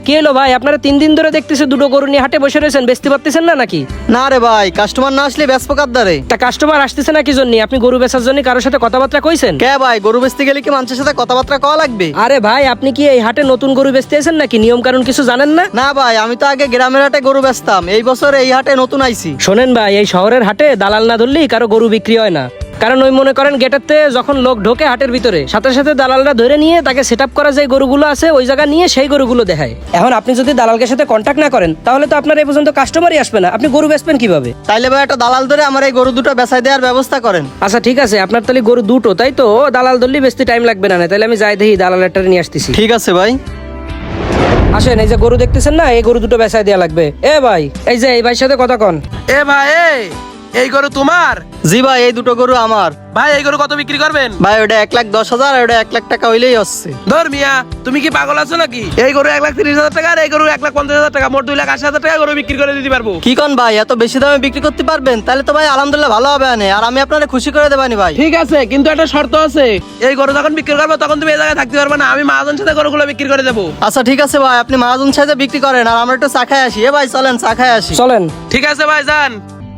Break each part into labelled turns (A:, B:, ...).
A: কি হলো ভাই, আপনারা 3 দিন ধরে দেখতেছি দুটো গরু নিয়ে হাটে বসে রয়েছেন, বেচতে পারতেছেন না নাকি?
B: না রে ভাই, কাস্টমার না আসলে বেচবো কাদ্দারে।
A: তা কাস্টমার আসতেছে না কি জন্য? আপনি গরু বেচার জন্য কারোর সাথে কথাবার্তা কইছেন?
B: কে ভাই, গরু বেচতে গেলে কি মানুষের সাথে কথাবার্তা কওয়া লাগবে?
A: আরে ভাই, আপনি কি এই হাটে নতুন গরু বেচতে এসেছেন নাকি? নিয়ম কানুন কিছু জানেন না?
B: না ভাই, আমি তো আগে গ্রামের হাটে গরু বেচতাম, এই বছর এই হাটে নতুন আইছি।
A: শোনেন ভাই, এই শহরের হাটে দালাল না ধরলেই কারো গরু বিক্রি হয় না। কারণ ওই মনে করেন গেটেরতে যখন লোক ঢোকে হাটের ভিতরে, সাথে সাথে দালালরা ধরে নিয়ে তাকে সেট আপ করা যে গরুগুলো আছে ওই জায়গা নিয়ে সেই গরুগুলো দেখায়। এখন আপনি যদি দালালকে সাথে কন্ট্যাক্ট না করেন তাহলে তো আপনার এই পর্যন্ত কাস্টমারই আসবে না, আপনি গরু বেচবেন কিভাবে?
B: তাইলে ভাই একটা দালাল ধরে আমার এই গরু দুটো বেচাই দেওয়ার ব্যবস্থা করেন।
A: আচ্ছা ঠিক আছে, আপনার তাহলে গরু দুটো, তাই তো? দালাল ধরলেই বেচতে টাইম লাগবে না, তাহলে আমি যাই দেখি দালালেরটা নিয়ে আসতেছি।
B: ঠিক আছে ভাই।
A: আসেন, এই যে গরু দেখতেছেন না, এই গরু দুটো বেচাই দেওয়া লাগবে। এ ভাই, এই যে এই ভাইয়ের সাথে কথা কন।
C: এ ভাই, এই গরু তোমার?
B: জি ভাই, এই দুটো গরু আমার।
C: ভাই এই গরু কত বিক্রি করবেন?
B: ভাই ওটা 1,10,000 আর ওটা 1,00,000 টাকা হইলেই হচ্ছে।
C: ধর মিয়া, তুমি কি পাগল আছো নাকি? এই গরু 1,30,000 টাকা আর এই গরু 1,50,000 টাকা, মোট 2,80,000 টাকা গরু বিক্রি করে দিতে পারবো।
B: কি কন ভাই, এত বেশি দামে বিক্রি করতে পারবেন? তাহলে তো ভাই আলহামদুলিল্লাহ ভালো হবে আনে, আর আমি আপনারে খুশি করে দেবানি ভাই।
C: ঠিক আছে, কিন্তু একটা শর্ত আছে। এই গরু যখন বিক্রি করবো তখন তুমি এই জায়গায় থাকতে পারবে না, আমি মহাজন সাথে গরুগুলো বিক্রি করে দেবো।
B: আচ্ছা ঠিক আছে ভাই, আপনি মহাজন সাথে বিক্রি করেন আর আমরা একটু চা খাই আসি। এ ভাই চলেন চা খাই আসি।
A: চলেন।
C: ঠিক আছে ভাই, যান।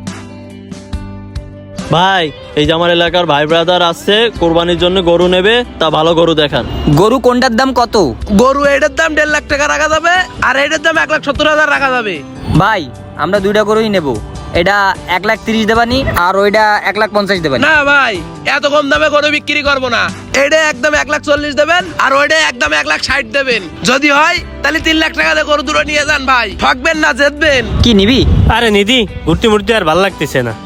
D: ভাই, এই যে আমার এলাকার ভাই ব্রাদার আসছে কোরবানির জন্য গরু নেবে, তা ভালো গরু দেখান।
E: গরু কোনটার দাম কত?
C: গরু এটার দাম 1.5 লাখ টাকা রাখা যাবে, আর এটার দাম 1,70,000 রাখা যাবে।
E: ভাই আমরা দুইটা গরুই নেব, এটা 1,30,000 দেবানি আর ওইটা 1,50,000 দেবানি।
C: না ভাই, এত কম দামে গরু বিক্রি করবো না। এটা একদম 1,40,000 দেবেন আর ওইটা একদম 1,60,000 দেবেন। যদি হয় তাহলে 3 লাখ টাকা দিয়ে গরু দুটো নিয়ে যান ভাই, ঠকবেন না, জিতবেন।
E: কি নিবি?
F: আরে নিদি, ঘুরতে মুড়তে আর ভাল লাগতেছে না।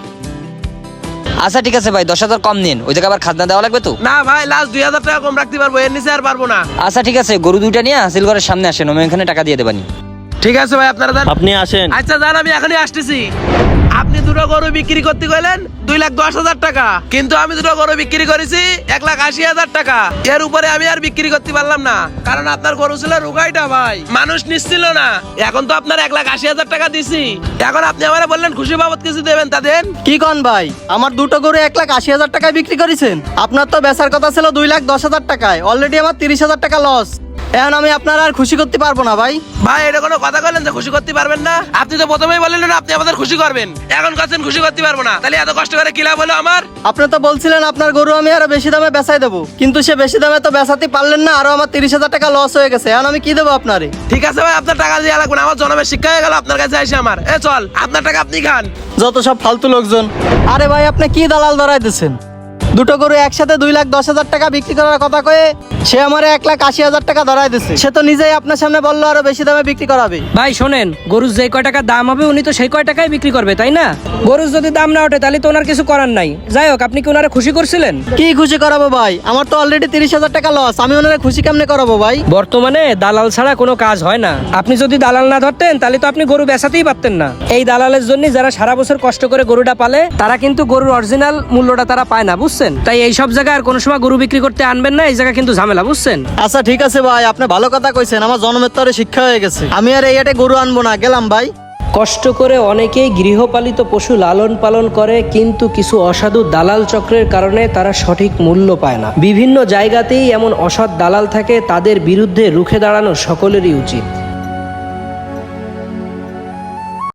E: আচ্ছা ঠিক আছে ভাই, 10,000 কম নিন, ওই জায়গায় আবার খাজনা দেওয়া লাগবে তো।
C: না ভাই, লাস্ট 2,000 টাকা কম রাখতে পারবো, এর নিচে আর পারবো না।
E: আচ্ছা ঠিক আছে, গরু দুইটা নিয়ে হাসিল ঘরের সামনে আসেন, আমি এখানে টাকা দিয়ে দেবানি।
C: ঠিক আছে ভাই, আপনারা যান।
D: আপনি আসেন।
C: আচ্ছা যান, আমি এখনই আসতেছি। আপনি দুটো গরু বিক্রি করতে গেলেন 2,10,000 টাকা, কিন্তু আমি দুটো গরু বিক্রি করেছি 1,80,000 টাকা। এর উপরে আমি আর বিক্রি করতে পারলাম না, কারণ আপনার গরু ছিল রুগাইটা ভাই, মানুষ নিচ্ছিল না। এখন তো আপনার 1,80,000 টাকা দিছি, এখন আপনি আমার বললেন খুশি বাবদ কিছু দেবেন, তা দেন।
B: কি কন ভাই, আমার দুটো গরু 1,80,000 টাকায় বিক্রি করেছেন? আপনার তো বেচার কথা ছিল 2,10,000 টাকায়, অলরেডি আমার 30,000 টাকা লস। এখন আমি আপনার আর খুশি করতে পারবো না ভাই।
C: ভাই এটা কোনো কথা বললেন যে খুশি করতে পারবেন না? আপনি তো প্রথমেই বললেন না আপনি আমাদের খুশি করবেন, এখন কাছেন খুশি করতে পারবো না, তাহলে এত কষ্ট করে কি লাভ হলো আমার?
B: আপনি তো বলছিলেন আপনার গরু আমি আরো বেশি দামে বেচাই দেবো, কিন্তু সে বেশি দামে তো বেচাতে পারলেন না, আরো আমার 30,000 টাকা লস হয়ে গেছে। এখন আমি কি দেবো আপনারে?
C: ঠিক আছে ভাই, আপনার টাকা দিয়ে লাগবে না, আমার জন্মের শিক্ষা হয়ে গেল আপনার কাছে এসে আমার। চল, আপনার টাকা আপনি খান।
B: যত সব ফালতু লোকজন। আরে ভাই, আপনি কি দালাল ধরাই দিচ্ছেন? দুটো গরু একসাথে 2,10,000 টাকা বিক্রি করার কথা কয়ে সে আমার 1,80,000 টাকা ধরাই দিচ্ছে। সে তো নিজেই আপনার সামনে বললো আরো বেশি দামে বিক্রি করাবে।
A: ভাই শোনেন, গরুর যে কয় টাকা দাম হবে উনি তো সেই কয় টাকায় বিক্রি করবে, তাই না? গরুর যদি দাম না ওঠে তাহলে তো ওনার কিছু করার নাই। যাই হোক, আপনি কি ওনারা খুশি করছিলেন?
B: কি খুশি করাবো ভাই, আমার তো অলরেডি 30,000 টাকা লস, আমি ওনারা খুশি কেমনে করাবো ভাই?
A: বর্তমানে দালাল ছাড়া কোনো কাজ হয় না। আপনি যদি দালাল না ধরতেন তাহলে তো আপনি গরু বেচাতেই পারতেন না। এই দালালের জন্য যারা সারা বছর কষ্ট করে গরুটা পালে তারা কিন্তু গরুর অরিজিনাল মূল্যটা তারা পায় না, বুঝছেন? তাই এই সব জায়গায় আর কোনো সময় গরু বিক্রি করতে আনবেন না, এই জায়গা কিন্তু ঝামেলা, বুঝছেন?
B: আচ্ছা ঠিক আছে ভাই, আপনি ভালো কথা কইছেন, আমার জন্মের তরে শিক্ষা হয়ে গেছে, আমি আর এই হাটে গরু আনবো না, গেলাম ভাই।
A: কষ্ট করে অনেকেই গৃহপালিত পশু লালন পালন করে, কিন্তু কিছু অসাধু দালাল চক্রের কারণে তারা সঠিক মূল্য পায় না। বিভিন্ন জায়গাতেই এমন অসৎ দালাল থাকে, তাদের বিরুদ্ধে রুখে দাঁড়ানো সকলেরই উচিত।